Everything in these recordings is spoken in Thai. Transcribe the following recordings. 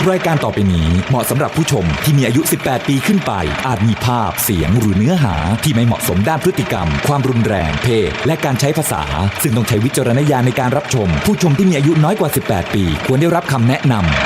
รายการต่อไปนี้เหมาะสำหรับผู้ชมที่มีอายุ 18 ปีขึ้นไปอาจมีภาพเสียงหรือเนื้อหาที่ไม่เหมาะสมด้านพฤติกรรมความรุนแรงเพศและการใช้ภาษาซึ่งต้องใช้วิจารณญาณในการรับชมผู้ชมที่มีอายุน้อยกว่า 18 ปีควรได้รับคำแนะนำ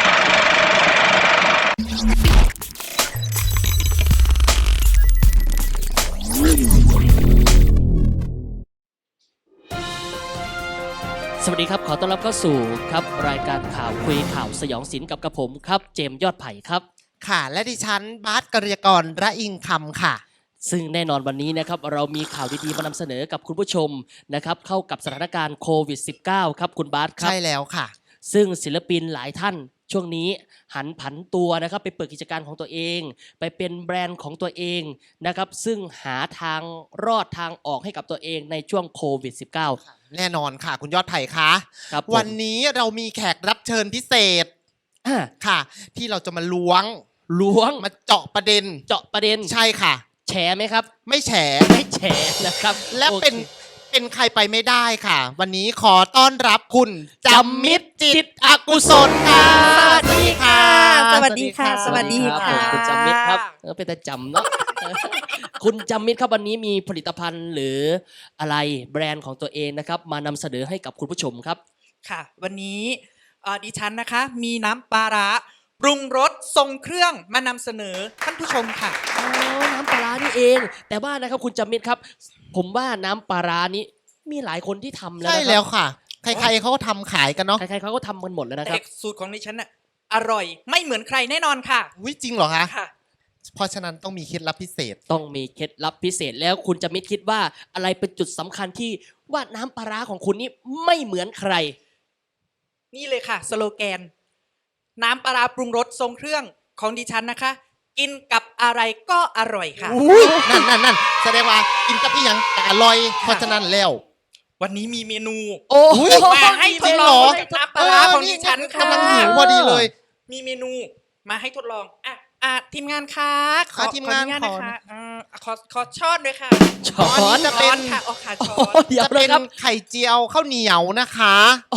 สวัสดีครับขอต้อนรับเข้าสู่ครับรายการข่าวคุยข่าวสยองศิลป์กับกระผมครับเจมส์ยอดไผ่ครับค่ะและดิฉันบาสกฤยกรระอิงคำค่ะซึ่งแน่นอนวันนี้นะครับเรามีข่าวดีๆมานำเสนอกับคุณผู้ชมนะครับเข้ากับสถานการณ์โควิด -19 ครับคุณบาสครับใช่แล้วค่ะซึ่งศิลปินหลายท่านช่วงนี้หันผันตัวนะครับไปเปิดกิจการของตัวเองไปเป็นแบรนด์ของตัวเองนะครับซึ่งหาทางรอดทางออกให้กับตัวเองในช่วงโควิด -19 แน่นอนค่ะคุณยอดไผ่คะครับวันนี้เรามีแขกรับเชิญพิเศษค่ะ ที่เราจะมาล้วงมาเจาะประเด็นใช่ค่ะแฉไหมครับไม่แฉนะครับและเป็นใครไปไม่ได้ค่ะ วันนี้ขอต้อนรับคุณจำมิตรจิตอกุศลค่ะสวัสดีค่ะสวัสดีค่ะคุณจำมิตรครับเป็นแต่จำเนาะ คุณจำมิตรครับวันนี้มีผลิตภัณฑ์หรืออะไรแบรนด์ของตัวเองนะครับมานำเสนอให้กับคุณผู้ชมครับค่ะวันนี้ดิฉันนะคะมีน้ำปลาร้าปรุงรสทรงเครื่องมานำเสนอท่านผู้ชมค่ะน้ำปลาร้านี่เองแต่ว่านะครับคุณจำมิตรครับผมว่าน้ำปลาร้านี้มีหลายคนที่ทำแล้วใช่แล้วค่ะใครๆเขาก็ทำขายกันเนาะใครๆเขาก็ทำกันหมดแล้วนะครับสูตรของดิฉันน่ะอร่อยไม่เหมือนใครแน่นอนค่ะจริงเหรอคะค่ะเพราะฉะนั้นต้องมีเคล็ดลับพิเศษต้องมีเคล็ดลับพิเศษแล้วคุณจำมิตรคิดว่าอะไรเป็นจุดสำคัญที่ว่าน้ำปลาร้าของคุณนี่ไม่เหมือนใครนี่เลยค่ะสโลแกนน้ำปลาร้าปรุงรสทรงเครื่องของดิฉันนะคะกินกับอะไรก็อร่อยค่ะนั่นแสดงว่ากินกับอีหยังก็อร่อยเพราะฉะนั้นแล้ววันนี้มีเมนูมาให้ทดลองน้ำปลาร้าของดิฉันค่ะกำลังหิวพอดีเลยมีเมนูมาให้ทดลองทีมงานคะขอทีมงานนะคะขอช้อนด้วยค่ะช้อนจะเป็นค่ะค่ะช้อนจะเป็นไข่เจียวข้าวเหนียวนะคะ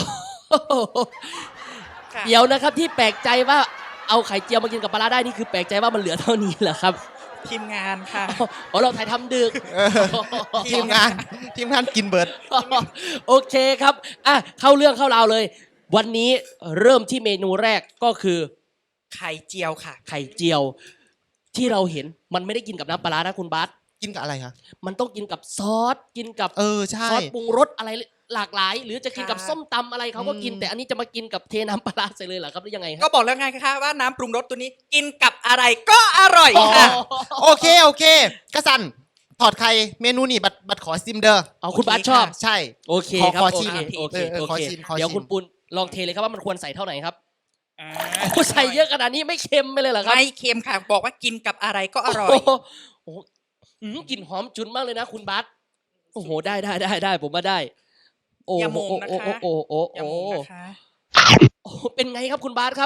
เดี๋ยวนะครับที่แปลกใจว่าเอาไข่เจียวมากินกับปลาร้าได้นี่คือแปลกใจว่ามันเหลือเท่านี้เหรอครับทีมงานค่ะเราถ่ายทำดึกทีมงานกินเบิร์ดโอเคครับเข้าเรื่องเข้าราวเลยวันนี้เริ่มที่เมนูแรกก็คือไข่เจียวค่ะไข่เจียวที่เราเห็นมันไม่ได้กินกับน้ำปลาร้านะคุณบาสกินกับอะไรคะมันต้องกินกับซอสกินกับใช่ซอสปรุงรสอะไรหลากหลายหรือจะกินกับส้มตำอะไรเขาก็กินแต่อันนี้จะมากินกับเทน้ำปลาร้าใส่เลยเหรอครับหรือยังไงก็บอกแล้วไงคะว่าน้ำปรุงรสตัวนี้กินกับอะไรก็อร่อยค่ะโอเคกระสันถอดไข่เมนูนี่บัดขอซิมเด้อคุณบาสชอบใช่โอเคครับขอชิมโอเคเดี๋ยวคุณปุณลองเทเลยครับว่ามันควรใส่เท่าไหร่ครับใส่เยอะขนาดนี้ไม่เค็มไปเลยเหรอครับไม่เค็มค่ะบอกว่ากินกับอะไรก็อร่อยโอ้กลิ่นหอมจุนมากเลยนะคุณบาสโอ้โหได้ผมว่าได้อย่ามงนะคะอย่ามงนะคะเป็นไงครับคุณบาสครับ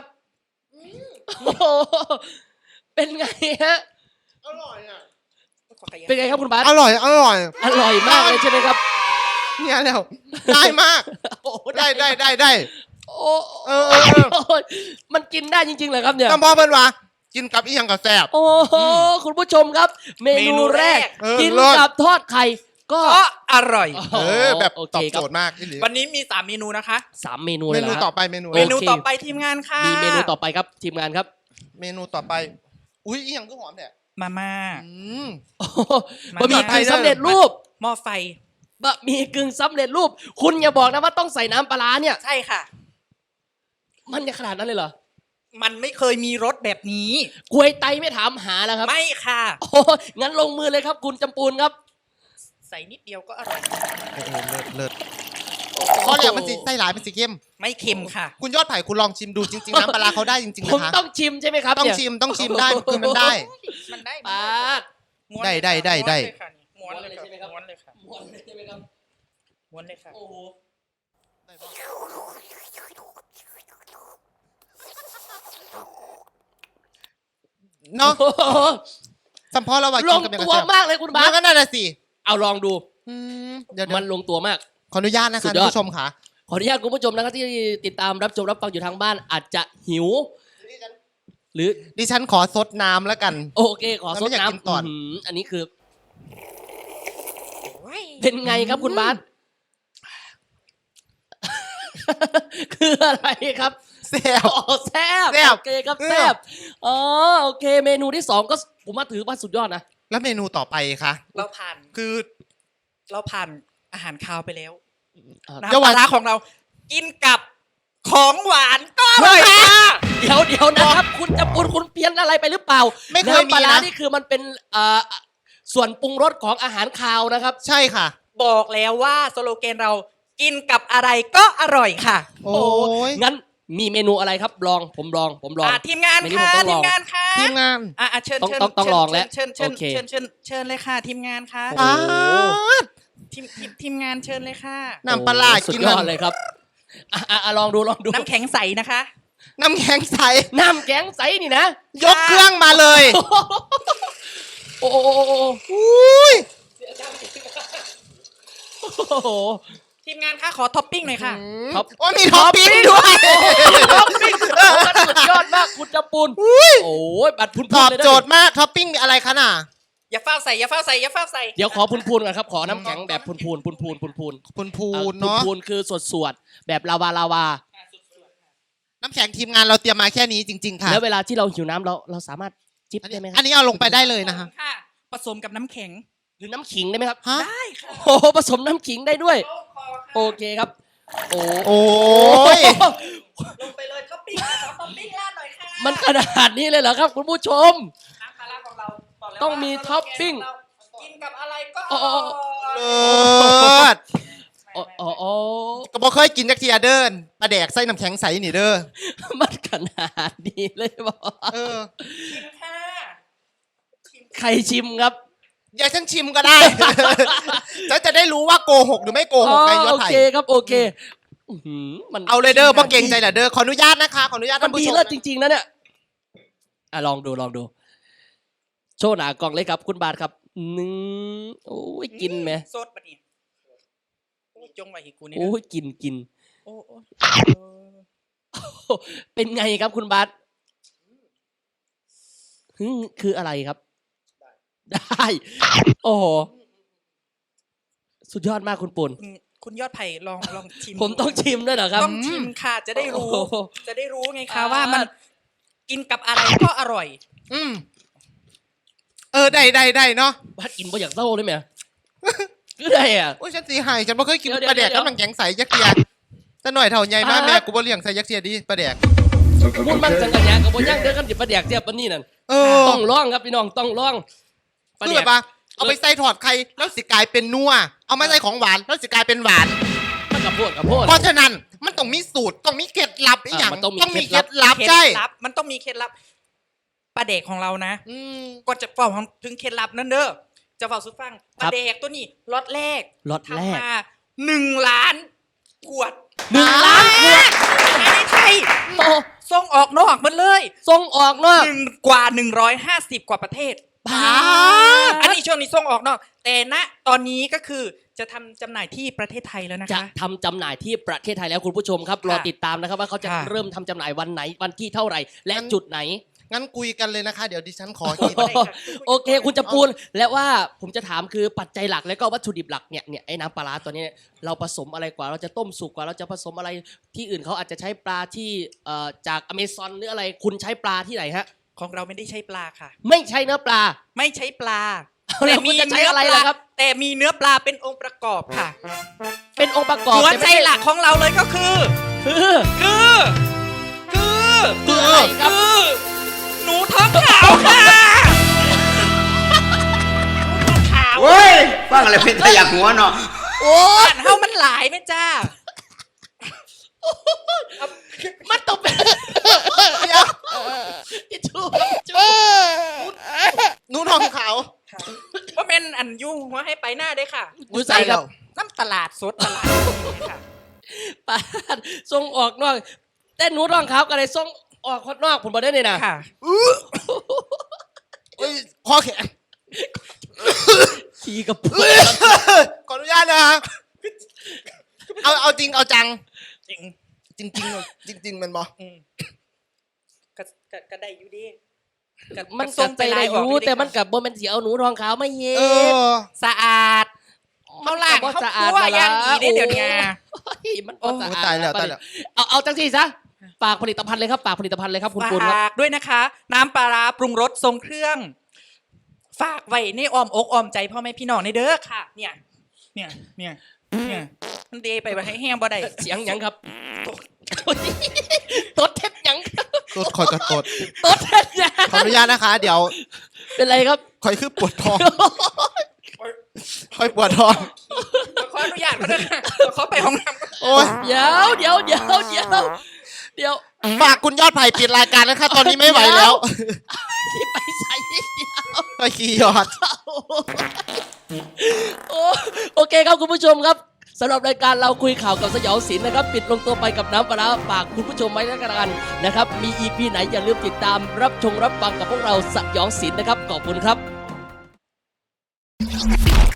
เป็นไงฮะอร่อยอ่ะเป็นไงครับคุณบาสอร่อยมากเลยใช่ไหมครับเนี่ยแล้วได้มากได้มันกินได้จริงๆเหรอครับเนี่ยก็เพราะเป็นว่ากินกับอีหยังกับแซ่บโอ้คุณผู้ชมครับเมนูแรกกินกับทอดไข่ก็อร่อยแบบตอบโจทย์มากวันนี้มี3เมนูนะคะ 3เมนูเลยเมนูต่อไปเมนูต่อไปทีมงานค่ะมีเมนูต่อไปครับทีมงานครับเมนูต่อไปอุ้ยอีหยังก็หอมเนี่ยมาม่าบะหมี่กึ่งสำเร็จรูปหม้อไฟบะหมี่กึ่งสำเร็จรูปคุณอย่าบอกนะว่าต้องใส่น้ำปลาเนี่ยใช่ค่ะมันจะขนาดนั้นเลยเหรอมันไม่เคยมีรสแบบนี้กล้วยไตไม่ถามหาแล้วครับไม่ค่ะงั้นลงมือเลยครับคุณจำปูนครับใส่นิดเดียวก็อร่อยเลิศเพราะเนี่ยมันใส่หลายมันสิเค็มไม่เค็มค่ะคุณยอดไผ่คุณลองชิมดูจริงๆน้ำปลาเขาได้จริงๆนะคะผมต้องชิมใช่ไหมครับต้องชิมได้คือมันได้ปาดได้ม้วนเลยใช่ไหมครับม้วนเลยค่ะม้วนเลยใช่ไหมครับม้วนเลยค่ะโอ้โหเนาะสัมพอเราว่าลงตัวมากเลยคุณบาสก็น่าจะสิเอาลองดูเดี๋ยวมันลงตัวมากขออนุญาตนะคะคุณผู้ชมค่ะขออนุญาตคุณผู้ชมนะครับที่ติดตามรับชมรับฟังอยู่ทางบ้านอาจจะหิวหรือดิฉันขอซดน้ำแล้วกันโอเคขอซดแล้วไม่อยากกินน้ำก่อนอันนี้คือ เป็นไงครับคุณบาส คืออะไรครับแซ่บอ๋อแซ่บแซ่บโอเคครับแซ่บอ๋อโอเค เมนูที่สองก็ผมว่าถือว่าสุดยอดนะแล้วเมนูต่อไปคะเราผ่านคืออาหารคาวไปแล้วอ่าน้ำปลาร้าของเรา กินกับของหวานก็อร่อยค่ะเดี๋ยวนะครับ คุณจะปุนคุณเพี้ยนอะไรไปหรือเปล่าไม่เคยน้ำปมีลาร้านะนี่คือมันเป็นส่วนปรุงรสของอาหารคาวนะครับใช่ค่ะบอกแล้วว่าสโลแกนเรากินกับอะไรก็อร่อยค่ะโอ้ยงั้นมีเมนูอะไรครับผมลองทีมงานเมนูค่ะผมต้องลทีองมงานค่ะทีมงานเชิญต้องลองแล้วเชิญโอเคเชิญเลยค่ะ ทีมงานค่ะโอ้โหทีมงานเชิญเลยค่ะน้ำปลาร้าสุดกินยอดเลยครับลองดูน้ำแข็งใสนะคะน้ำแข็งใสน้ำแข็งใสนี่นะยกเครื่องมาเลยโอ้โหอุ้ยโอ้โหทีมงานคะขอท็อปปิ้งหน่อยค่ะท็อปโอ้ยมีท็อปปิ้งด้วยท็อปปิ้งสุดยอดมากคุณจำปูนโอ้ยบัตรพุนตอบเลยนะโจทย์มากท็อปปิ้งมีอะไรคะน่ะอย่าเฝ้าใส่ อย่าเฝ้าใส่ อย่าเฝ้าใส่เดี๋ยวขอพุนก่อนครับ ขอน้ำแข็งแบบพุนพูนเนาะพูนคือสวดแบบลาวาน้ำแข็งทีมงานเราเตรียมมาแค่นี้จริงๆค่ะแล้วเวลาที่เราหิวน้ำเราสามารถจิบได้ไหมคอัรับนนี้เอาลงไปได้เลยนะคะค่ะ ผสมกับน้ำแข็งหรือน้ำขิงได้ไหมครับฮะได้ค่ะโอ้โหผสมน้ำขิงได้ด้วย โอเคครับ โอ้โอ้ยลงไปเลยท็อปปิ้งค่ะขอท็อปปิ้งราดหน่อยค่ะมันขนาดนี้เลยเหรอครับ คุณผู้ชมน้ำปลาร้าของเราบกแล้วต้องมีว่าท็อปปิ้งกินกับอะไรก็อ๋อเลิศอ๋อก็บอกเคยกินจักเทียเดินปลาแดกไส้น้ำแข็งใสนี่เด้อมันขนาดนี้เลยบอเออชิมค่ะใครชิมครับอย่าฉันชิมก็ได้ ฉันจะได้รู้ว่าโกหกหรือไม่โกหกไงยอดโอไทยเคครับโอเคอื้อหือมันเอาเลยเด้อบ่เก่งใจเหรอเด้อขออนุญาตนะคะขออนุญาตมัท่าน นผู้ดีชมเลิศจริงๆนะเนี่ยลองดู โชว์หนากล่องเลยครับ คุณบาทครับโอ้ยกินไหมสดปะเนี่ยโอ้ยจงไว้ให้กูนี่โอ้นะยกินโอ้โอ้เป็นไงครับคุณบาทคืออะไรครับ ได้ โอ้โหสุดยอดมากคุณปุ่นคุณยอดไผ่ลองชิมผมต้องชิมด้วยเหรอครับต้องชิมค่ะ จะได้รู้โอ้โหจะได้รู้ไงคะว่ามันกินกับอะไรก็อร่อยอืมได้เนาะบาทกินบ่อยากเศร้าเลยไหมคือได้อ่ะโอ้ยฉันสีหายฉันบ่เคยกินเดี๋ยวปลาแดกเดี๋ยวกับน้ำแข็งใสยักษ์เทียแต่หน่อยเท่าใหญ่มากอ่าแม่กูบ่เลี้ยงใส่ยักษ์เทียดีปลาแดกพูดมั่งจังกันยางกับบ่ย่างเด้อกันจิบประเดียกเทียบปานนี้นั่นเออต้องร้องครับพี่น้องต้องร้องประคือเดียแบกบว่าเอาไปใส่ถอดไข่แล้วสิกลายเป็นนัวเอามาใส่ของหวานแล้วสิกลายเป็นหวานมันกับโพดเพราะฉะนั้นมันต้องมีสูตรต้องมีเคล็ดลับอีกอย่างมันต้องมีต้องมีเคเคล็ล็ดดลัลับบใช่มันต้องมีเคล็ดลับปลาเด็กของเรานะอืมก่อนจะเฝ้าถึงเคล็ดลับนั่นเด้อจะเฝ้าสุดฟังปลาเด็กตัวนี้ล็อตแรกล็อตแรกทำมา1 ล้านขวด 1 ล้านขวดในไทยโอ้ส่งออกนอกหมดเลยส่งออกเนาะกว่า150 กว่าประเทศบ้าอันนี้ช่วงนี้ส่งออกนอกแต่ณตอนนี้ก็คือจะทำจำหน่ายที่ประเทศไทยแล้วนะจะคะทำจำหน่ายที่ประเทศไทยแล้วคุณผู้ชมครับรอติดตามนะครับว่าเขาจะค่ะเริ่มทำจำหน่ายวันไหนวันที่เท่าไหร่ และจุดไหนงั้นคุยกันเลยนะคะ เดี๋ยวดิฉันขอกินโอเค คุณจะปูนและว่าผมจะถามคือปัจจัยหลักและก็วัตถุดิบหลักเนี่ยไอ้น้ำปลาร้าตัวนี้เนี่ยเราผสมอะไรกว่าเราจะต้มสุกกว่าเราจะผสมอะไรที่อื่นเขาอาจจะใช้ปลาที่จากอเมซอนหรืออะไรคุณใช้ปลาที่ไหนฮะของเราไม่ได้ใช้ปลาค่ะไม่ใช่เนื้อปลาไม่ใช้ปลาแล้วคุณจะใช้อะไรล่ะครับแต่มีเนื้อปลาเป็นองค์ประกอบค่ะเป็นองค์ประกอบหัวแต่ใจไม่ช่หลักของเราเลยก็คือคือ อะไรครับคือหนูท้องขาวค่ะหนูท้องขาวเว้ยฟังอะไรเป็นตะอยากหัวเนาะโอ้บ้านเฮามันหลายไหมจ้ามันต้องเป็นเดี๋ยวทิชชู่ครับทิชชู่หนูทองขาวว่าเป็นอันยุ่งหัวให้ไปหน้าได้ค่ะดูใส่ครับน้ำตลาดสดตลาดค่ะปาดส่งออกนอกแต่หนูรองครับอะไรส่งออกคนนอกผมบอกได้เลยนะค่ะเอ้ยคอแข็งขี่กับพูดขออนุญาตนะคะเอาจริงเอาจังจริงจริงๆมันบออืมก็ได้อยู่ดีมันก็ใจได้อยู่แต่มันกับบ่แม่นสิเอาหนูทองขาวมาเฮ็เอดอสะอาดเขาล้างมันก็บ่เขาสะอาดคั่วมาละอย่างดีได้เดี๋ยวนี้โอ้ยมันบ่สะอาดโอ้ตายแล้วตายแล้วเอาจังซี่ซะฝากผลิตภัณฑ์เลยครับฝากผลิตภัณฑ์เลยครับคุณปูนครับฝากด้วยนะคะ น้ำปลาร้าปรุงรสทรงเครื่อง ฝากไว้ในอ้อมอกอ้อมใจพ่อแม่พี่น้องในเด้อค่ะ เนี่ยมันดีไปให้แห้งบ่ได้เสียงหยังครับตดเท็ดหยังตดคอยกระตดตดเท็ดหยังขออนุญาตนะคะ เดี๋ยวเป็นไรครับคอยคือปวดท้องคอยปวดท้องขออนุญาตเขาด้วยค่ะขอไปห้องน้ำก่อนโอ้ยเดี๋ยวฝากคุณยอดไผ่ปิดรายการนะคะ ตอนนี้ไม่ไหวแล้วที่ไปใส่เดียวไปขี่ยอดโอเคครับคุณผู้ชมครับสำหรับรายการเราคุยข่าวกับสยองศิลป์นะครับ ปิดลงตัวไปกับน้ำปลาร้าฝากคุณผู้ชมไว้แล้วกันนะครับ มี EP ไหนอย่าลืมติดตามรับชมรับฟังกับพวกเราสยองศิลป์นะครับขอบคุณครับ